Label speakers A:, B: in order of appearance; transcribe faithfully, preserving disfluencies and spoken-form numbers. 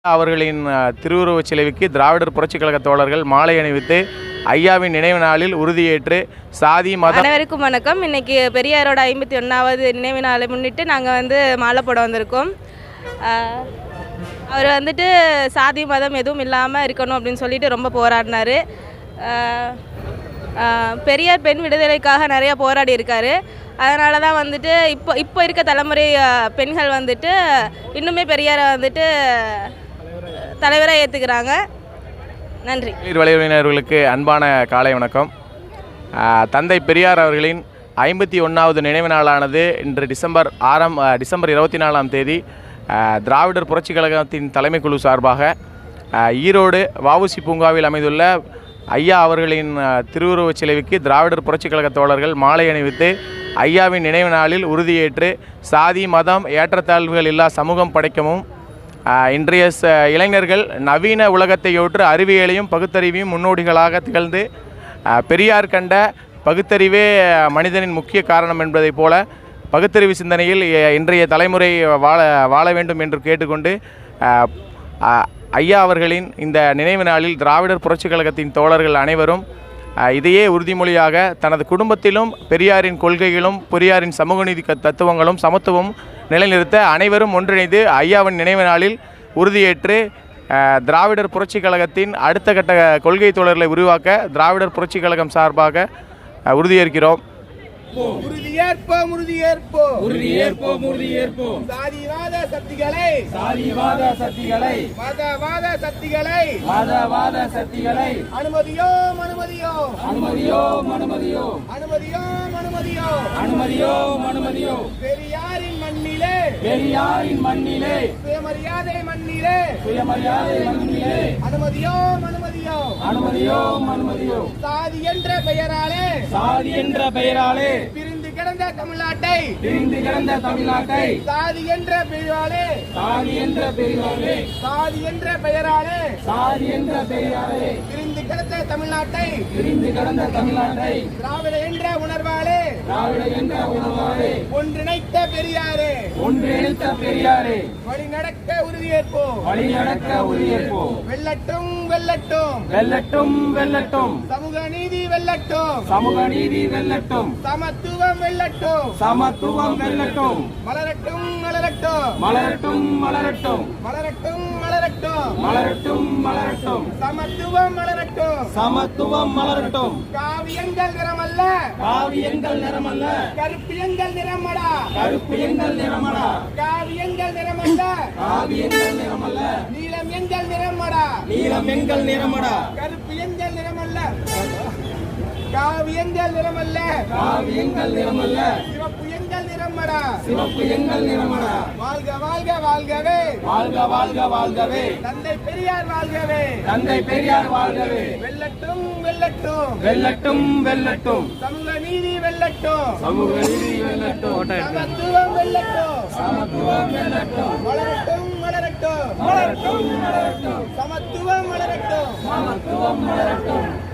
A: அவர்களின் திருவுருவச் சிலைக்கு திராவிடர் புரட்சிக் கழக தோழர்கள் மாலை அணிவித்து ஐயாவின் நினைவு நாளில் உறுதியேற்று சாதி மத
B: அனைவருக்கும் வணக்கம். இன்னைக்கு பெரியாரோட ஐம்பத்தி ஒன்றாவது நினைவு நாளை முன்னிட்டு நாங்கள் வந்து மாலை போட வந்திருக்கோம். அவர் வந்துட்டு சாதி மதம் எதுவும் இல்லாமல் இருக்கணும் அப்படின்னு சொல்லிட்டு ரொம்ப போராடினார். பெரியார் பெண் விடுதலைக்காக நிறையா போராடி இருக்கார். அதனால தான் வந்துட்டு இப்போ இப்போ இருக்க தலைமுறை பெண்கள் வந்துட்டு இன்னுமே பெரியாரை வந்துட்டு தலைவராக ஏற்றுக்கிறாங்க. நன்றி.
A: வலையுறவினர்களுக்கு அன்பான காலை வணக்கம். தந்தை பெரியார் அவர்களின் ஐம்பத்தி ஒன்றாவது நினைவு நாளானது இன்று டிசம்பர் ஆறாம் டிசம்பர் இருபத்தி நாலாம் தேதி திராவிடர் புரட்சிக் கழகத்தின் தலைமைக்குழு சார்பாக ஈரோடு வஉசி பூங்காவில் அமைந்துள்ள ஐயா அவர்களின் திருவுருவச் சிலைக்கு திராவிடர் புரட்சிக் கழக தோழர்கள் மாலை அணிவித்து ஐயாவின் நினைவு நாளில் உறுதியேற்று சாதி மதம் ஏற்றத்தாழ்வுகள் இல்லா சமூகம் படைக்கவும் இன்றைய இளைஞர்கள் நவீன உலகத்தையொற்று அறிவியலையும் பகுத்தறிவையும் முன்னோடிகளாக திகழ்ந்து பெரியார் கண்ட பகுத்தறிவே மனிதனின் முக்கிய காரணம் என்பதைப் போல பகுத்தறிவு சிந்தனையில் இன்றைய தலைமுறை வாழ வாழ வேண்டும் என்று கேட்டுக்கொண்டு ஐயா அவர்களின் இந்த நினைவு நாளில் திராவிடர் புரட்சிக் கழகத்தின் தோழர்கள் அனைவரும் இதையே உறுதிமொழியாக தனது குடும்பத்திலும் பெரியாரின் கொள்கைகளும் பெரியாரின் சமூக நீதி தத்துவங்களும் சமத்துவம் நிலைநிறுத்த அனைவரும் ஒன்றிணைந்து ஐயாவின் நினைவு நாளில் உறுதியேற்று திராவிடர் புரட்சிக் கழகத்தின் அடுத்த கட்ட கொள்கை தோழர்களை உருவாக்க திராவிடர் புரட்சிக் கழகம் சார்பாக உறுதியேற்கிறோம்.
C: உறுதியேற்போம் உறுதியேற்போம்
D: உறுதியேற்போம் உறுதியேற்போம்
C: சாதிவாத சக்திகளை
D: சாதிவாத சக்திகளை
C: மதவாத சக்திகளை
D: மதவாத சக்திகளை
C: அனுமதியோம் அனுமதியோம்
D: அனுமதியோம் அனுமதியோம்
C: அனுமதியோம் அனுமதியோம்
D: அனுமதியோம் அனுமதியோம்
C: பெரியாரின் மண்ணிலே
D: பெரியாரின் மண்ணிலே
C: சுயமரியாதை மண்ணிலே
D: சுயமரியாதை மண்ணிலே
C: அனுமதியோம் அனுமதியோம்
D: அனுமதியோம் அனுமதியோம்
C: சாதி என்ற பெயராலே
D: சாதி என்ற பெயராலே
C: பிரிந்து கிடந்த தமிழ்நாட்டை
D: பிரிந்து கிடந்த தமிழ்நாட்டை
C: சாதி என்ற பெயராலே
D: சாதி என்ற பெயராலே
C: சாதி என்ற பெயராலே
D: சாதி என்ற பெயராலே
C: பிரிந்து கிடந்த தமிழ்நாட்டை
D: பிரிந்து கிடந்த தமிழ்நாட்டை
C: திராவிட என்ற உணர்வாலே
D: திராவிட என்ற உணர்வாலே
C: ஒன்றிணைத்த பெரியாரே
D: ஒன்றிணைத்த பெரியாரே
C: வழி நடக்க உறுதியேற்போம்
D: வழி நடக்க உறுதியேற்போம்.
C: வெல்லட்டும் வெல்லட்டும்
D: வெல்லட்டும் வெல்லட்டும்
C: சமூக நீதி வெல்லட்டும்
D: சமூக நீதி வெல்லட்டும்
C: சமத்துவம் வெல்லட்டும்
D: சமத்துவம் வெல்லட்டும்
C: மலரட்டும் மலரட்டும்
D: மலரட்டும் மலரட்டும்
C: மலரட்டும் மலரட்டும்
D: மலரட்டும் மலரட்டும்
C: சமத்துவம் மலரட்டும்
D: சமத்துவம் மலரட்டும்.
C: காவியங்கள் நிறமல்ல
D: காவியங்கள் நிறமல்ல
C: கருப்பியங்கள் நிறமடா
D: கருப்பு எங்கள் நிறமடா
C: காவியங்கள் நிறமல்ல
D: காவியங்கள் நிறமல்ல
C: நீலம் எங்கள் நிறமடா
D: நீலம் எங்கள் நிறமடா
C: கருப்பு எங்கள் நிறமல்ல காவியங்கள் நிறமல்ல
D: காவியங்கள் நிறமல்ல
C: சிவப்பு எங்கள் நிறமடா
D: சிவப்பு எங்கள் நிறமடா.
C: வாழ்க வாழ்க வாழ்கவே
D: வாழ்க வாழ்க வாழ்கவே
C: தந்தை பெரியார் வாழ்கவே
D: தந்தை பெரியார் வாழ்கவே
C: வெல்லட்டும் வெல்லட்டும்
D: வெல்லட்டும் வெல்லட்டும்
C: சமூக நீதி வெல்லட்டும்
D: சமூக நீதி வெல்லட்டும்
C: சமத்துவம் வெல்லட்டும்
D: சமத்துவம் வெல்லட்டும்
C: வளரட்டும் வளரட்டும்
D: மலரட்டும் மலரட்டும்
C: சமத்துவம் வளரட்டும்
D: சமத்துவம் மலரட்டும்.